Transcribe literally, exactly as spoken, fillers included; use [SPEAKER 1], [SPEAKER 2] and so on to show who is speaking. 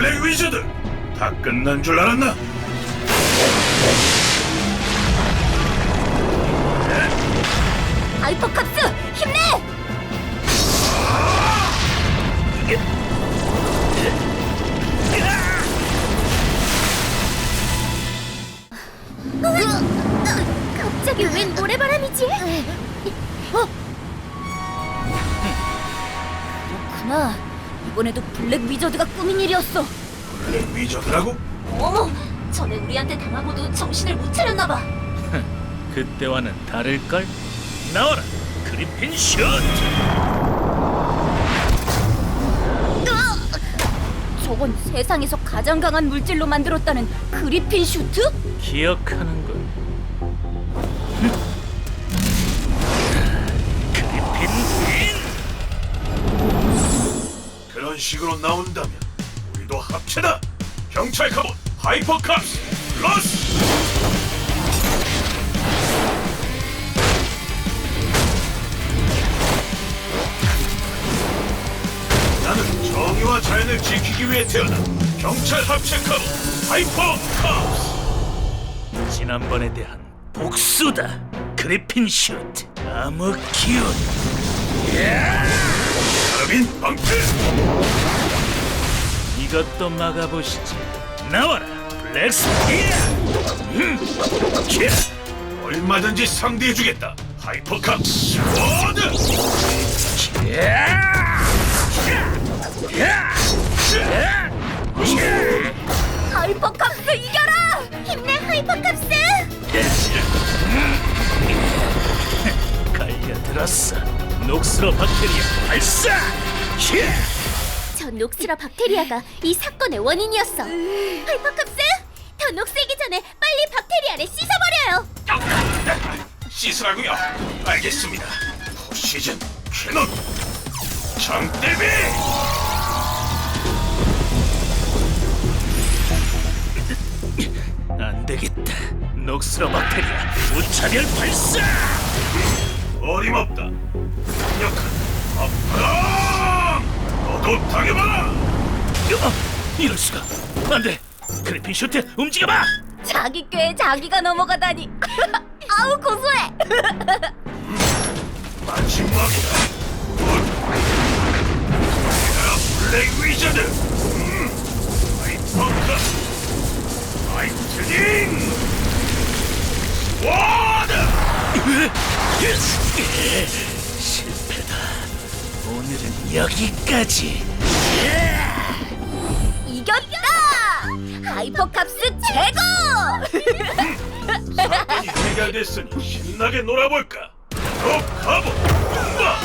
[SPEAKER 1] 블랙 위저드! 다 끝난 줄 알았나?
[SPEAKER 2] 하이퍼캅스 힘내! 갑자기 웬 모래바람이지? 어? 그렇구나. 이번에도 블랙 위저드가 꾸민 일이었어.
[SPEAKER 1] 블랙 위저드라고?
[SPEAKER 2] 어머, 전에 우리한테 당하고도 정신을 못 차렸나봐.
[SPEAKER 3] 그때와는 다를걸? 나와라! 그리핀 슛!
[SPEAKER 2] 저건 세상에서 가장 강한 물질로 만들었다는 그리핀 슈트?
[SPEAKER 3] 기억하는군. 그리핀 인!
[SPEAKER 1] 그런 식으로 나온다면 우리도 합체다! 경찰 카봇 하이퍼캅스 플러스! 나는 정의와 자연을 지키기 위해 태어난 경찰 합체 카봇 하이퍼캅스!
[SPEAKER 3] 지난번에 대한 복수다. 그리핀 슛! 암흑 기운!
[SPEAKER 1] 카르빈 방패!
[SPEAKER 3] 이것도 막아보시지. 나와라! 블랙 스피어! 음! kia!
[SPEAKER 1] 얼마든지 상대해주겠다 하이퍼캅스 워드!
[SPEAKER 2] 하이퍼캅스 이겨라! 힘내 하이퍼캅스!
[SPEAKER 3] 갈려들었어. 녹스러 박테리아 발사! kia!
[SPEAKER 2] 저 녹스라 박테리아가 이 사건의 원인이었어. 하이퍼캅스! 더 녹슬기 전에 빨리 박테리아를 씻어버려요.
[SPEAKER 1] 씻으라고요? 알겠습니다. 시즌 캐논 장대비!
[SPEAKER 3] 안 되겠다. 녹스러 박테리아 무차별 발사!
[SPEAKER 1] 어림없다. 강력한 아프랑! 너도 당해봐라!
[SPEAKER 3] 어, 이럴 수가. 안 돼. 그리핀 슈트 움직여봐.
[SPEAKER 2] 자기 꾀에 자기가 넘어가다니. 아우 고소해.
[SPEAKER 1] 마지막이다. 야, 블랙 위저드! 음, 하이퍼카! 하이트닝! 워드!
[SPEAKER 3] 실패다. 오늘은 여기까지.
[SPEAKER 2] 이겼다. 하이퍼캅스 최고.
[SPEAKER 1] 사건이 해결됐으니 신나게 놀아볼까? 더 가보! 봐!